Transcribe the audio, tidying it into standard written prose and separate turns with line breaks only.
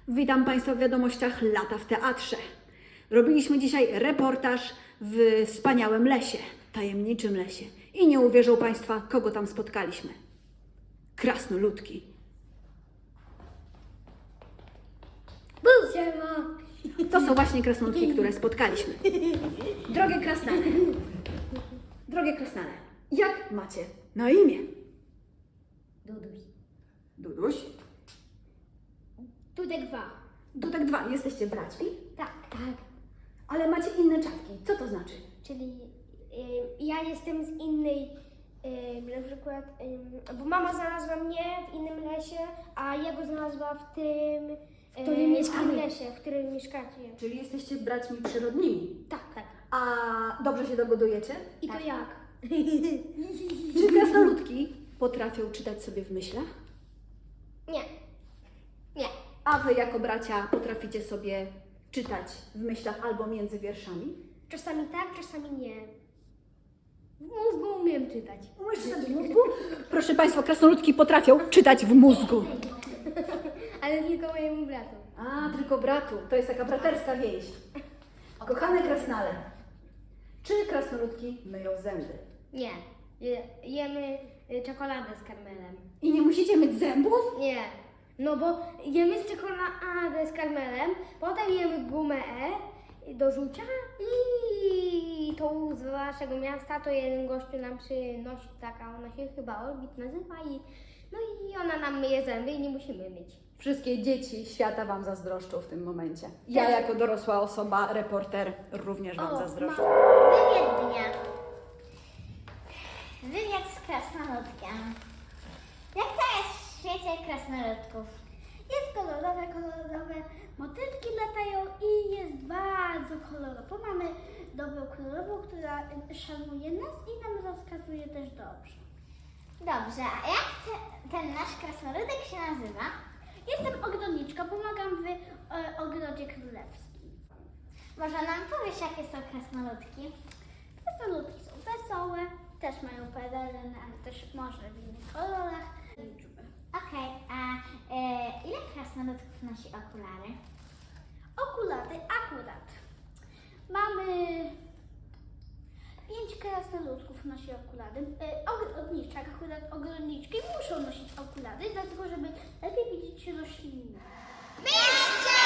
Witam Państwa w wiadomościach Lata w Teatrze. Robiliśmy dzisiaj reportaż w wspaniałym lesie, tajemniczym lesie. I nie uwierzą Państwa, kogo tam spotkaliśmy. Krasnoludki.
Siema.
To są właśnie krasnoludki, które spotkaliśmy. Drogie krasnale, jak macie na imię?
Duduś.
Duduś?
Dudek 2.
Dudek 2, jesteście braćmi?
Tak.
Ale macie inne czapki. Co to znaczy?
Czyli ja jestem z innej, na przykład, bo mama znalazła mnie w innym lesie, a ja go znalazła w tym lesie, w którym mieszkacie.
Czyli jesteście braćmi przyrodnimi.
Tak.
A dobrze się dogodujecie?
I to jak?
Czy krasnoludki potrafią czytać sobie w myślach?
Nie.
A wy jako bracia potraficie sobie czytać w myślach albo między wierszami?
Czasami tak, czasami nie. W mózgu umiem czytać.
Umiesz czytać w mózgu? Proszę Państwa, krasnoludki potrafią czytać w mózgu.
Ale tylko mojemu bratu.
A, tylko bratu. To jest taka braterska więź. Kochane krasnale, czy krasnoludki myją zęby?
Nie. Jemy czekoladę z karmelem.
I nie musicie myć zębów?
Nie, no bo jemy z czekoladę z karmelem, potem jemy gumę do rzucia i tą z waszego miasta to jeden gościu nam przynosi, taka ona się chyba Orbit nazywa i ona nam myje zęby i nie musimy myć.
Wszystkie dzieci świata Wam zazdroszczą w tym momencie. Ja jako dorosła osoba, reporter, również Wam zazdroszczę.
Wywiad dnia. Wywiad z krasnoludkiem. Jak to jest w świecie krasnoludków? Jest kolorowe, motylki latają i jest bardzo kolorowo. Mamy dobrą królową, która szanuje nas i nam rozkazuje też dobrze. Dobrze, a jak ten nasz krasnoludek się nazywa? Jestem ogrodniczką, pomagam w ogrodzie królewskim. Może nam powiesz, jakie są krasnoludki? Krasnoludki są wesołe, też mają pelerynę, ale też może w innych kolorach. Okej, a ile krasnoludków nosi okulary? Okulary akurat. Mamy 5 krasnoludków nosi okulary. Ogrodniczek, akurat ogrodniczki muszą nosić okulary, dlatego żeby lepiej widzieć rośliny. Jeszcze!